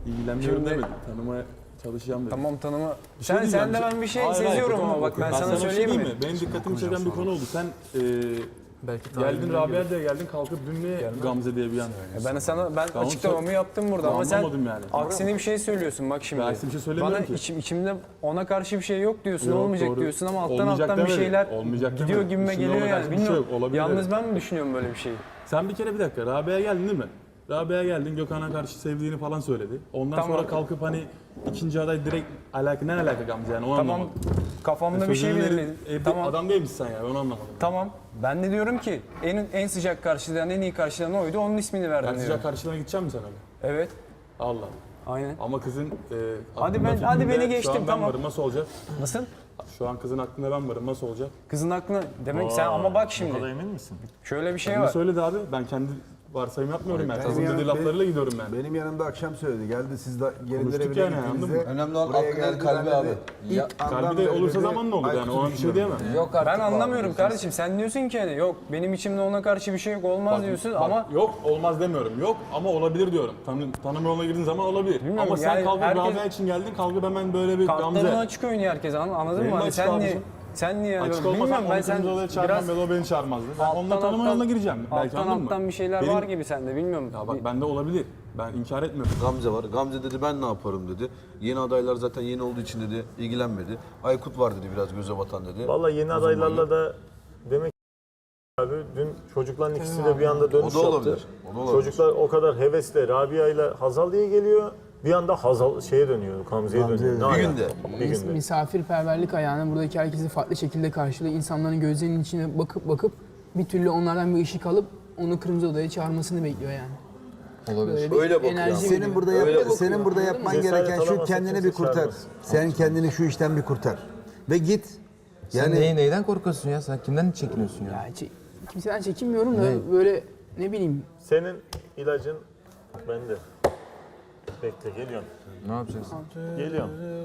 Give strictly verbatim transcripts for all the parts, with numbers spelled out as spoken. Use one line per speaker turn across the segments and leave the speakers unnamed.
İlgilenmiyorum
Şimdi-
demedim. Tanımaya çalışacağım dedim.
Tamam tanıma.
Bir şey
Sen
diyeceğim.
sen de ben bir şey
Hayır, hayır,
seziyorum
tamam,
ama bak ben,
ben
sana
bir şey
söyleyeyim mi?
diyeyim Benim dikkatimi çeken bir konu oldu. Sen e,
Belki
geldin Rabia'ya geldin kalkıp dün niye Gamze diye bir an.
Ben sana ben
Tamam,
açıklamamı yaptım burada
Ben
ama sen
anlamadım yani.
aksine bir şey söylüyorsun bak şimdi.
Ben aksine bir şey söylemiyorum
Bana
ki.
içim, içimde ona karşı bir şey yok diyorsun,
Yok,
olmayacak
doğru.
diyorsun ama alttan
Olmayacak
alttan bir
demedim.
şeyler
Olmayacak
gidiyor
demedim.
gibime
İçimde
geliyor
ona
yani.
karşı bir şey
Bilmiyorum.
yok, olabilir
Yalnız
dedim.
ben mi düşünüyorum böyle bir şeyi?
Sen bir kere bir dakika Rabia'ya geldin değil mi? Rabia'ya geldin Gökhan'a karşı sevdiğini falan söyledi. Ondan
Tamam.
sonra kalkıp hani ikinci aday direkt alaka ne alaka Gamze yani onu
Tamam
anlamadım.
kafamda bir şey
Sözünü verip-
belirledim.
e,
Tamam.
Adam değilmişsin sen ya ben onu anlamadım.
Tamam. Ben de diyorum ki en en sıcak karşılayan, en iyi karşılayan oydu. Onun ismini verdim
Ben
diyorum.
sıcak karşılığına gideceğim mi sen öyle?
Evet.
Allah.
Aynen.
Ama kızın e,
Hadi
aklında,
ben- hadi
fikrinde
beni geçtim,
şu an ben
tamam.
varım nasıl olacak?
Nasıl?
Şu an kızın aklında ben varım nasıl olacak?
Kızın aklına demek sen ama bak şimdi.
emin misin?
Şöyle bir şey
Kendi
var.
söyledi abi ben kendi varsayım yapmıyorum ben.
benim
Kızın
yanım-
dediği laflarıyla gidiyorum ben.
Benim yanımda akşam söyledi. Geldi siz de gelinlere
Konuştuk
bile
yani, anladın
gittiğinizde.
mı?
Önemli olan
buraya
aklın el
geldi,
kalbi
ben
abi.
dedi,
Ya,
ilk andan
Kalbi de
beri
olursa
dedi,
zaman ne olur yani
Aykut'u
ona bir şey
düşünüyorum.
diyemem.
yok artık.
Ben
bu
anlamıyorum
abi.
kardeşim. Sen diyorsun ki hani yok benim içimde ona karşı bir şey yok olmaz
Bak,
diyorsun
bak,
ama
yok olmaz demiyorum. Yok ama olabilir diyorum. Tanı, tanım yoluna girdiğin zaman olabilir.
Bilmiyorum,
Ama sen
yani
kalkıp
herkes-
Rabia için geldin kalkıp hemen böyle bir
kartlarını
Gamze.
açık oynuyor herkes an- anladın
Benim
mı?
de
Hani
açık
sen niye
abicim.
sen niye
Açık
bilmiyorum
olmasam
ben
onu
sen
kırmızı odaya çağırmam
biraz
ya da o beni çağırmazdı. Ben
alttan
onunla tanıma
alttan-
yoluna gireceğim. Belki
alttan
anladın mı?
alttan bir şeyler
Benim-
var gibi sende bilmiyorum.
Ya bak bende olabilir. Ben inkar etmiyorum.
Gamze var. Gamze dedi ben ne yaparım dedi. Yeni adaylar zaten yeni olduğu için dedi ilgilenmedi. Aykut var dedi biraz göze batan dedi.
Vallahi yeni
Uzun
adaylarla
boylu.
da demek ki abi dün çocukların ikisi de bir anda dönüş
O da olabilir,
yaptı.
o da olabilir.
Çocuklar o kadar hevesle Rabia ile Hazal diye geliyor. Bir anda Hazal şeye dönüyor, Gamze'ye dönüyor. Ne
Bir
alaka?
günde.
Bir günde.
Misafirperverlik ayağını buradaki herkesi farklı şekilde karşılıyor. İnsanların gözlerinin içine bakıp bakıp bir türlü onlardan bir ışık alıp onu kırmızı odaya çağırmasını bekliyor yani.
Olabilir.
Böyle bir
Öyle bakıyor.
enerji
ama.
Senin
veriyor.
burada
Öyle
yap,
bakıyor,
senin burada
anladın
yapman
mı?
gereken
Cesaret
şu
alamazsa
kendini bir
kimse
kurtar.
çağırmaz.
Sen kendini şu işten bir kurtar. Ve git.
Sen
Yani
neyi, neyden korkuyorsun ya? Sen kimden çekiniyorsun ya?
Ya çe- kimseden çekinmiyorum da böyle ne bileyim
Senin ilacın bende. Bekle geliyorum.
Ne yapacaksın?
Geliyorum.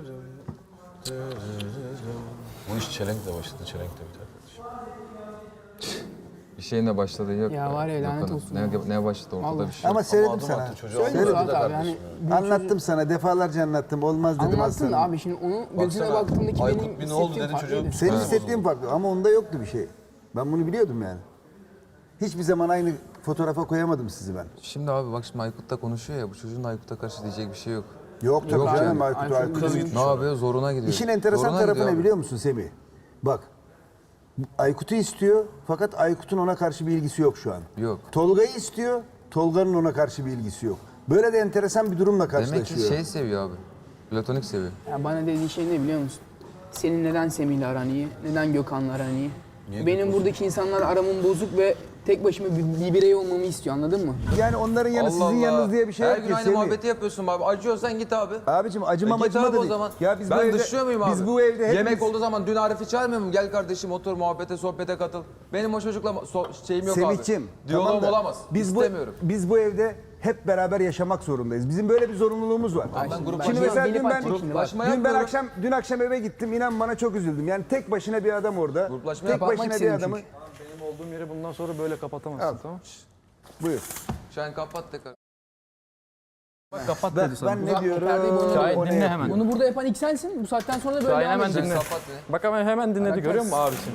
Bu iş çelenkle başladı, çelenkle biter kardeşim.
Bir şeyinle başladığı yok.
Ya var ya, lanet
Yok,
olsun
Ne,
ya.
ne başladı ortada
Vallahi.
bir şey
ama
yok.
söyledim
adım
sana.
attı çocuğa.
söyle
Söyledim
Suat
de
abi
kardeşim
yani
ya.
Anlattım sana, defalarca anlattım. Olmaz dedim
anlattın
aslanım.
da abi şimdi onun gözüne
Baksana,
baktığımdaki
Aykut
benim
bir ne oldu
hissettiğim
dedi çocuğun.
farklıydı.
Senin
Ha,
hissettiğin farklı ama onda yoktu bir şey. Ben bunu biliyordum yani. Hiçbir zaman aynı fotoğrafa koyamadım sizi ben.
Şimdi abi bak şimdi Aykut'ta konuşuyor ya. Bu çocuğun Aykut'a karşı diyecek bir şey yok.
Yok tabii
Yok
canım
yani.
Aykut,
Aykut
Aykut.
kız
Ne yapıyor? Zoruna gidiyor.
İşin enteresan
Zoruna
tarafı
gidiyor
ne
abi.
biliyor musun Semih? Bak, Aykut'u istiyor fakat Aykut'un ona karşı bir ilgisi yok şu an.
Yok.
Tolga'yı istiyor, Tolga'nın ona karşı bir ilgisi yok. Böyle de enteresan bir durumla
Demek ki
karşılaşıyor.
şey seviyor abi. Platonik seviyor.
Ya bana dediği şey ne biliyor musun? Senin neden Semih'le aran iyi? Neden Gökhan'la aran iyi? Benim buradaki insanlar aramın bozuk ve tek başıma bir, bir birey olmamı istiyor anladın mı?
Yani onların yanı sizin yanınız diye bir şey
Her
yok
gün
ki
aynı
Semih.
muhabbeti yapıyorsun abi. Acıyorsan git abi.
Abicim acımam
E git
acıma
abi
da
o
değil.
zaman.
Ya biz
ben
bu evde,
dışlıyor muyum abi?
Biz bu evde hepimiz...
Yemek olduğu zaman dün Arif'i çağırmıyor muyum? Gel kardeşim otur muhabbete, sohbete katıl. Benim o çocukla so- şeyim yok
Semih'cim,
abi. Diyaloğum
tamam da
olamaz.
Biz
İstemiyorum.
Bu, biz bu evde hep beraber yaşamak zorundayız. Bizim böyle bir zorunluluğumuz var.
Ben gruplaşma,
Şimdi mesela dün ben,
gruplaşma
dün ben
yapmıyorum.
akşam dün akşam eve gittim. İnan bana çok üzüldüm. Yani tek başına bir adam orada.
Gruplaşma
tek
yapmak
başına bir
istedim
adamı.
Benim olduğum yeri bundan sonra böyle kapatamazsın
Al.
tamam?
Buyur.
Sen kapat tekrar.
Kapat
Ben,
dedi sana.
ben ne diyorum?
perdeyi boynuna
Şahit
o ne
dinle
yapıyor?
hemen.
Bunu burada yapan ilk sensin. Bu saatten sonra da böyle
Şahin
devam
hemen
edeceksin.
dinle.
Kapat beni.
Bak hemen hemen dinledi görüyor musun abisini?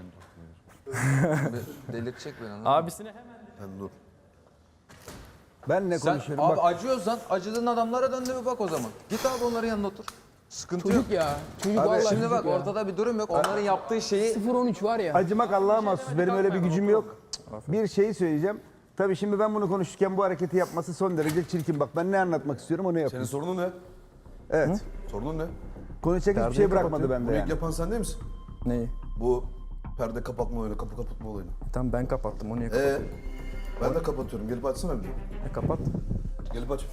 Be- Delirtecek beni anladın mı?
Abisini hemen
Sen dur.
Ben ne
Sen
konuşuyorum?
abi
Bak,
acıyorsan acıdığın adamlara dön de bir bak o zaman. Git abi onların yanına otur. Sıkıntı
Çocuk
yok.
ya. Çocuk
Abi,
vallahi
Şimdi
çocuk
bak
ya.
ortada bir durum yok. Onların yaptığı şeyi
sıfır on üç var ya.
acımak Allah'a mahsus. Benim öyle bir gücüm yok. Bir şeyi söyleyeceğim. Tabii şimdi ben bunu konuşurken bu hareketi yapması son derece çirkin. Bak ben ne anlatmak istiyorum onu
Senin
yapıyorum.
sorunun ne?
Evet.
Sorunun ne?
Konuşacak hiçbir şey bırakmadı bende
Bunu ilk
yani.
yapan sen değil misin?
Neyi?
Bu perde kapatma olayını, kapı kapatma olayını.
Tamam ben kapattım onu niye
Ee,
kapattın?
ben de kapatıyorum. Gelip açsana bir.
E, kapat.
Gelip aç.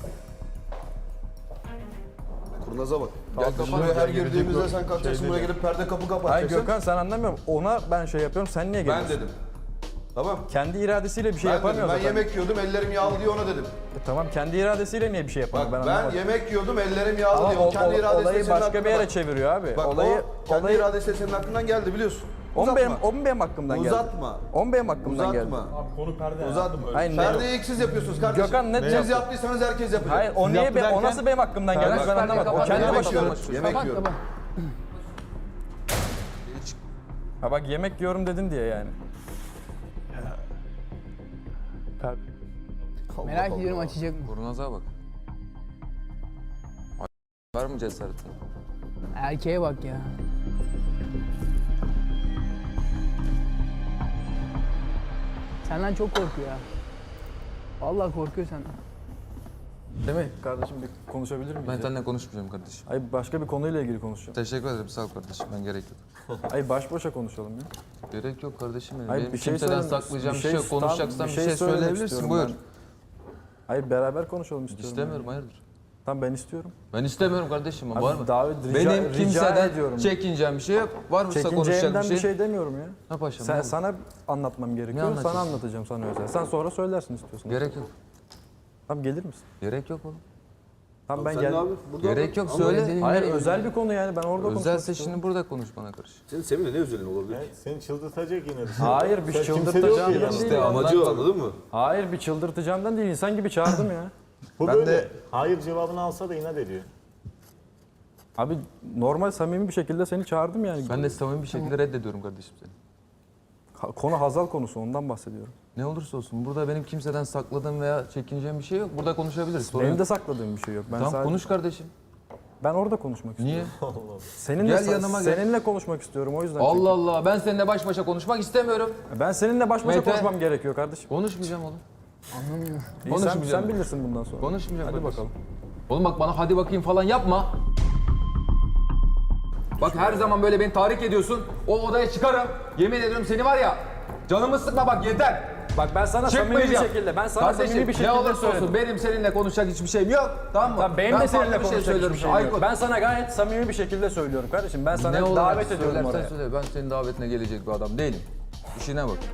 Kurnaza bak.
Gel
Gel
kapat.
buraya her girdiğimizde sen kalkacaksın buraya gelip perde kapı
Hayır
kapatacaksın.
Gökhan sen anlamıyorum. Ona ben şey yapıyorum sen niye
Ben
geliyorsun?
dedim. Tamam.
Kendi iradesiyle bir şey
Ben dedim.
yapamıyor
Ben
zaten.
yemek yiyordum ellerim yağlı diye ona dedim.
E, tamam kendi iradesiyle niye bir şey yapamıyor
Bak
ben,
ben,
anlamadım.
yemek yiyordum ellerim yağlı
Ama
diye.
o,
O kendi
o-
iradesiyle
olayı
senin
başka bir
aklına
yere
bak.
çeviriyor abi.
Bak
olayı
o kendi
olayı
iradesiyle senin aklından geldi biliyorsun.
O mu benim,
Uzatma.
o mu benim hakkımdan geldi?
Uzatma.
O mu benim hakkımdan geldi?
Uzatma.
Konu perde.
Uzatma.
Hayır, ne-
Perdeyi ilk siz yapıyorsunuz kardeşim.
Gökhan, ne
Siz
yaptı?
yaptıysanız herkes yapacak.
Hayır, o niye be, o nasıl benim hakkımdan geldi? Ben anlamadım. O kendi
Yemek
başına.
yiyorum. Yemek
Kapat
yiyorum.
kapat.
Ha bak, yemek yiyorum dedin diye yani.
Merak ediyorum açacak mı?
Kurnaza bak. Var mı cesaretin?
Erkeğe bak ya. Senden çok korkuyor ya. Vallahi korkuyor senden.
Değil mi? Kardeşim bir konuşabilir miyiz?
Ben
ya?
seninle konuşmayacağım kardeşim.
Ay başka bir konuyla ilgili konuşacağım.
Teşekkür ederim sağ ol kardeşim. Ben gerek yok.
Ay baş başa konuşalım ya.
Gerek yok kardeşim benim.
Hayır,
Benim
bir şey
kimseden
söyle-
saklayacağım
bir
bir
şey-
şey yok.
tam-
Konuşacaksan
bir
bir
şey
şey
söylemek
söyleyebilirsin.
istiyorum
Buyur.
ben. Hayır beraber konuşalım istiyorum.
İstemiyorum
yani.
hayırdır.
Tamam ben istiyorum.
Ben istemiyorum kardeşim.
Abi,
Var mı?
davet- rica-
Benim
rica
kimseden
ediyorum.
çekineceğim bir şey yok. Var mı konuşacak
Çekineceğimden
bir
bir
şey?
şey demiyorum ya.
Ha paşam.
Sen,
ne
sana anlatmam gerekiyor. Sana
anlatacaksın?
anlatacağım sana özel. Sen sonra söylersin istiyorsun.
Gerek yok.
Tamam gelir misin?
Gerek yok oğlum.
Tamam ben
Sen
gel.
ne abi? Burada
Gerek yok
Ama
söyle.
özelin
Hayır
nereye
özel bir konu yani ben orada konuşmak
Özelse
istiyorum.
şimdi burada konuş bana karış.
Senin Semih'le ne özelin olabilir?
Seni çıldırtacak yine.
Hayır bir
Sen kimse de yok
çıldırtacağım
ki
değil.
yanında.
İşte amacı o, anladın mı?
Hayır bir çıldırtacağımdan değil. İnsan gibi çağırdım ya.
Bu
Ben
böyle
de-
hayır cevabını alsa da inat ediyor.
Abi normal samimi bir şekilde seni çağırdım yani.
Ben de samimi bir şekilde reddediyorum kardeşim seni.
Ha- Konu Hazal konusu ondan bahsediyorum.
Ne olursa olsun burada benim kimseden sakladığım veya çekineceğim bir şey yok. Burada konuşabiliriz. Sorun
Benim
yok.
de sakladığım bir şey yok. Ben
Tamam
sadece-
konuş kardeşim.
Ben orada konuşmak istiyorum.
Niye?
Seninle
Gel
sa-
yanıma gel.
seninle konuşmak istiyorum o yüzden.
Allah Allah ben seninle baş başa konuşmak istemiyorum.
çünkü. Ben seninle baş başa
Mete.
konuşmam gerekiyor kardeşim.
Konuşmayacağım oğlum.
İyi, sen,
konuşmayacağım
sen
ben.
bilirsin bundan sonra.
Konuşmayacağım
Hadi
kardeşim.
bakalım.
Oğlum bak bana hadi bakayım falan yapma. Bak her zaman böyle beni tahrik ediyorsun. O odaya çıkarım. Yemin ediyorum seni var ya. Canımı sıkma bak yeter.
Bak ben sana samimi bir
Çıkmayacağım.
şekilde, ben sana
Kardeşim,
samimi bir şekilde
ne olursa
söyledim.
olsun benim seninle konuşacak hiçbir şeyim yok. Tamam mı?
Tamam, benim
Ben
de
farklı
seninle
bir şey
konuşacak
söylüyorum.
hiçbir şeyim yok.
Aykut,
Ben sana gayet samimi bir şekilde söylüyorum kardeşim. Ben sana
ne olarak
davet ediyorum
söylersen
oraya.
söyle. Ben senin davetine gelecek bir adam değilim. İşine bak.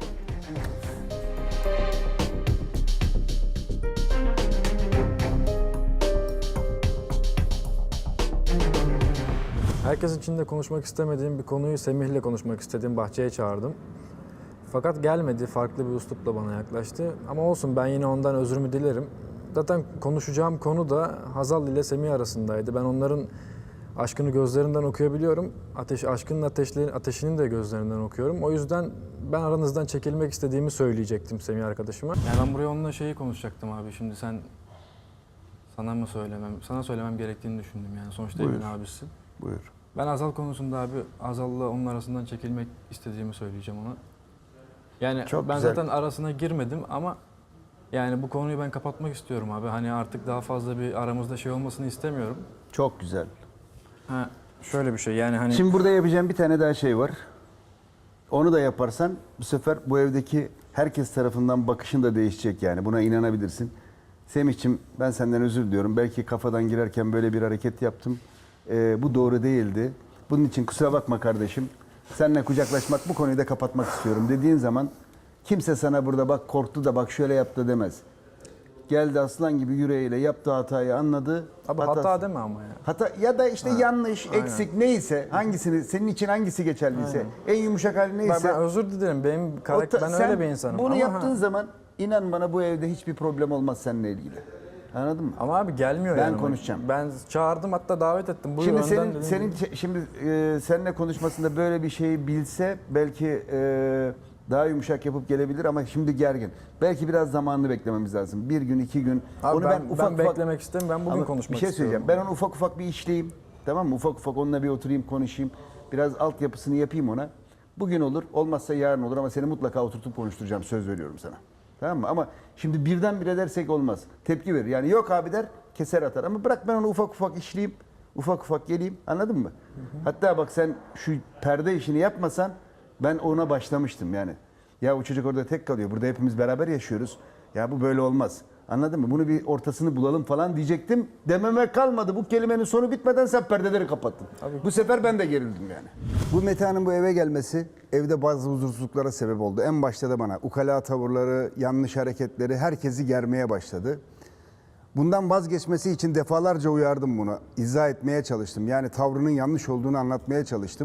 Herkesin içinde konuşmak istemediğim bir konuyu Semih'le konuşmak istediğim bahçeye çağırdım. Fakat gelmedi, farklı bir üslupla bana yaklaştı. Ama olsun ben yine ondan özrümü dilerim. Zaten konuşacağım konu da Hazal ile Semih arasındaydı. Ben onların aşkını gözlerinden okuyabiliyorum. Ateş, aşkının ateşli, ateşinin de gözlerinden okuyorum. O yüzden ben aranızdan çekilmek istediğimi söyleyecektim Semih arkadaşıma. Yani ben buraya onunla şeyi konuşacaktım abi. Şimdi sen sana mı söylemem, sana söylemem gerektiğini düşündüm yani. Sonuçta
Buyur.
Emin abisi.
Buyur.
Ben Hazal konusunda abi Hazal'la onun arasından çekilmek istediğimi söyleyeceğim ona. Yani
Çok
ben
güzel.
zaten arasına girmedim ama yani bu konuyu ben kapatmak istiyorum abi. Hani artık daha fazla bir aramızda şey olmasını istemiyorum.
Çok güzel.
Ha şöyle bir şey yani hani
Şimdi burada yapacağım bir tane daha şey var. Onu da yaparsan bu sefer bu evdeki herkes tarafından bakışın da değişecek yani. Buna inanabilirsin. Semih'ciğim ben senden özür diliyorum. Belki kafadan girerken böyle bir hareket yaptım. Ee, bu doğru değildi. Bunun için kusura bakma kardeşim. Seninle kucaklaşmak, bu konuyu da kapatmak istiyorum dediğin zaman kimse sana burada bak korktu da bak şöyle yaptı demez. Geldi aslan gibi yüreğiyle yaptığı hatayı anladı.
abi
Hatası-
hata deme ama ya.
Hata ya da işte yanlış, eksik neyse, hangisini senin için hangisi geçerliyse, en yumuşak hali
Ben,
neyse.
ben özür dilerim. Benim
o
karakter
ta-
ben
sen
öyle bir insanım.
Bunu
ama,
yaptığın
ha.
zaman inan bana bu evde hiçbir problem olmaz seninle ilgili. Anladın mı?
Ama abi gelmiyor
Ben
yani.
konuşacağım.
Ben çağırdım hatta davet ettim. Buyur
Şimdi
önden
senin
dedim.
senin ç- şimdi e, seninle konuşmasında böyle bir şeyi bilse belki e, daha yumuşak yapıp gelebilir ama şimdi gergin. Belki biraz zamanını beklememiz lazım. Bir gün, iki gün.
Abi ben, ben,
ufak ufak-
beklemek istemiyorum. Ben bugün
Ama
konuşmak
bir şey
istiyorum.
söyleyeceğim. Ben onu ufak ufak bir işleyeyim. Tamam mı? Ufak ufak onunla bir oturayım, konuşayım. Biraz altyapısını yapayım ona. Bugün olur, olmazsa yarın olur ama seni mutlaka oturtup konuşturacağım. Söz veriyorum sana. Tamam mı? Ama şimdi birdenbire dersek olmaz. Tepki verir. Yani yok abi der, keser atar. Ama bırak ben onu ufak ufak işleyeyim. Ufak ufak geleyim. Anladın mı? Hatta bak sen şu perde işini yapmasan ben ona başlamıştım yani. Ya o çocuk orada tek kalıyor. Burada hepimiz beraber yaşıyoruz. Ya bu böyle olmaz. Anladın mı? Bunu bir ortasını bulalım falan diyecektim. Dememe kalmadı. Bu kelimenin sonu bitmeden sen perdeleri kapattın. Bu sefer ben de gerildim yani. Bu Metehan'ın bu eve gelmesi evde bazı huzursuzluklara sebep oldu. En başta da bana ukala tavırları, yanlış hareketleri herkesi germeye başladı. Bundan vazgeçmesi için defalarca uyardım bunu. İzah etmeye çalıştım. Yani tavrının yanlış olduğunu anlatmaya çalıştım.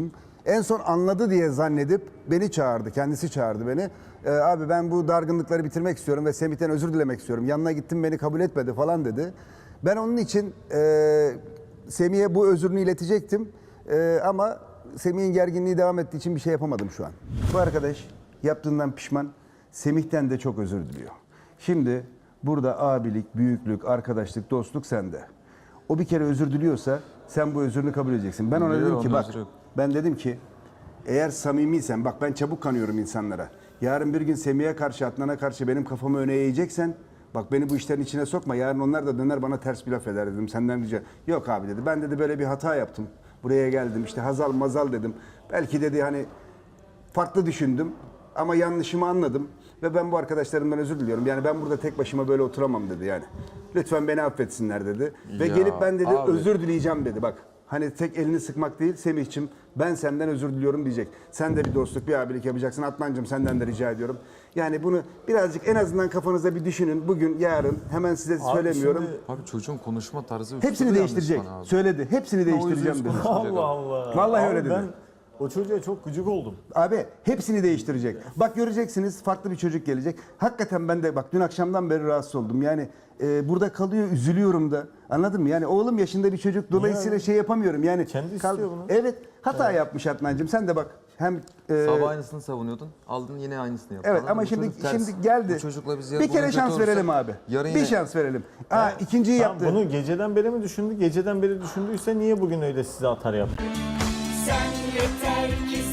En son anladı diye zannedip beni çağırdı. Kendisi çağırdı beni. Ee, abi ben bu dargınlıkları bitirmek istiyorum ve Semih'ten özür dilemek istiyorum. Yanına gittim beni kabul etmedi falan dedi. Ben onun için e, Semih'e bu özrünü iletecektim. E, ama Semih'in gerginliği devam ettiği için bir şey yapamadım şu an. Bu arkadaş yaptığından pişman. Semih'ten de çok özür diliyor. Şimdi burada abilik, büyüklük, arkadaşlık, dostluk sende. O bir kere özür diliyorsa sen bu özrünü kabul edeceksin. Ben ona
Biliyor,
dedim ki
onun
bak,
özrü yok.
ben dedim ki eğer samimiysen, bak ben çabuk kanıyorum insanlara. Yarın bir gün Semih'e karşı, Adnan'a karşı benim kafamı öne eğeceksen, bak beni bu işlerin içine sokma. Yarın onlar da döner bana ters bir laf eder dedim. Senden rica. Yok abi dedi. Ben dedi böyle bir hata yaptım. Buraya geldim. İşte hazal mazal dedim. Belki dedi hani farklı düşündüm ama yanlışımı anladım ve ben bu arkadaşlarımdan özür diliyorum. Yani ben burada tek başıma böyle oturamam dedi yani. Lütfen beni affetsinler dedi. Ve
Ya
gelip ben dedi
abi.
özür dileyeceğim dedi. Bak hani tek elini sıkmak değil Semih'cim ben senden özür diliyorum diyecek. Sen de bir dostluk, bir abilik yapacaksın. Adnancığım senden de rica ediyorum. Yani bunu birazcık en azından kafanızda bir düşünün. Bugün, yarın hemen size söylemiyorum.
şimdi-
Abi çocuğun konuşma tarzı
Hepsini
üslubu
değiştirecek.
yanlış bana abi.
Söyledi. Hepsini değiştireceğim dedi.
Allah Allah.
Vallahi
Abi
öyle dedi.
Ben o çocuğa çok gıcık oldum.
Abi hepsini değiştirecek. Bak göreceksiniz farklı bir çocuk gelecek. Hakikaten ben de bak dün akşamdan beri rahatsız oldum. Yani e, burada kalıyor üzülüyorum da. Anladın mı? Yani oğlum yaşında bir çocuk dolayısıyla şey yapamıyorum. Yani
Kendi istiyor bunu.
Evet hata yapmış Adnancığım. Sen de bak hem e,
Sabah aynısını savunuyordun. Aldın yine aynısını yaptın.
evet
Anladın
ama
mı? Bu
şimdi
çocuk ters.
şimdi geldi.
Bu çocukla biz ya-
bir kere
bugün
şans
kötü olursa
verelim abi.
yarın
Bir
yine-
şans verelim. Aa ikinciyi
Tamam,
yaptı.
bunu geceden beri mi düşündü? Geceden beri düşündüyse niye bugün öyle size atar yaptı?
Sen yeter ki